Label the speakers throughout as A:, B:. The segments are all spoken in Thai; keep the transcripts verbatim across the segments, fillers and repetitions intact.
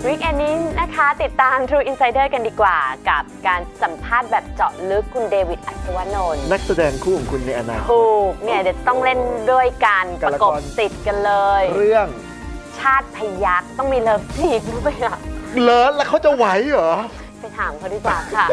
A: วีคเอนนี้นะคะติดตาม True Insider กันดีกว่ากับการสัมภาษณ์แบบเจาะลึกคุณเดวิดอัศวนนท์
B: นักแสดงคู่ของคุณในอนาคต
A: ถูกเนี่ยเดี๋ยวต้องเล่นด้วยการประกบติดกันเลย
B: เรื่อง
A: ชาติพยัคฆ์ต้องมีเลิฟซีนด้วยอ่ะ
B: เลิศแล้วเขาจะไหวเหรอ
A: ไปถามเขาดีกว่าค่ะ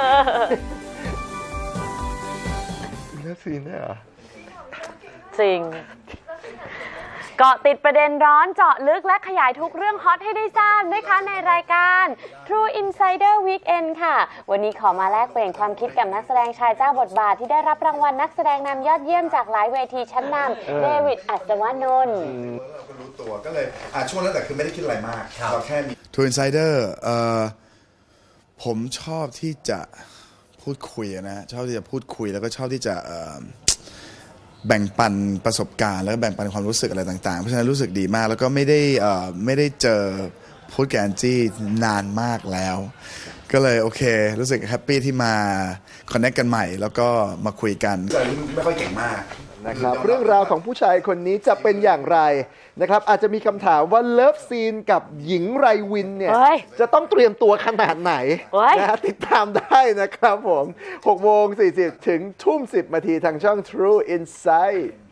B: เลิฟซีนได้เหรอ
A: จริงเกาะติดประเด็นร้อนเจาะลึกและขยายทุกเรื่องฮอตให้ได้ทราบนะคะในรายการ True Insider Weekend ค่ะวันนี้ขอมาแลกเปลี่ยนความคิดกับนักแสดงชายเจ้าบทบาทที่ได้รับรางวัลนักแสดงนำยอดเยี่ยมจากหลายเวทีชั้นนำเดวิดอัศวนนท์
C: เราก็รู้ตัวก็เลยอ่ะช่วงนั้นแต่คือไม่ได้คิดอะไรมากเราแค่มี
D: True Insider เอ่อผมชอบที่จะพูดคุยนะชอบที่จะพูดคุยแล้วก็ชอบที่จะแบ่งปันประสบการณ์แล้วก็แบ่งปันความรู้สึกอะไรต่างๆเพราะฉะนั้นรู้สึกดีมากแล้วก็ไม่ได้ไม่ได้เจอพูดกับแอนจี้นานมากแล้วก็เลยโอเครู้สึกแฮปปี้ที่มาคอนเนคกันใหม่แล้วก็มาคุยกัน
C: แต่ไม่ค่อยเก่งมาก
B: นะครับเรื่องราวของผู้ชายคนนี้จะเป็นอย่างไรนะครับอาจจะมีคำถามว่าเลิฟซีนกับหญิงไรวินเนี่ยจะต้องเตรียมตัวขนาดไหนนะติดตามได้นะครับผมหกโมงสี่สิบถึงทุ่มสิบนาทีทางช่อง True Insight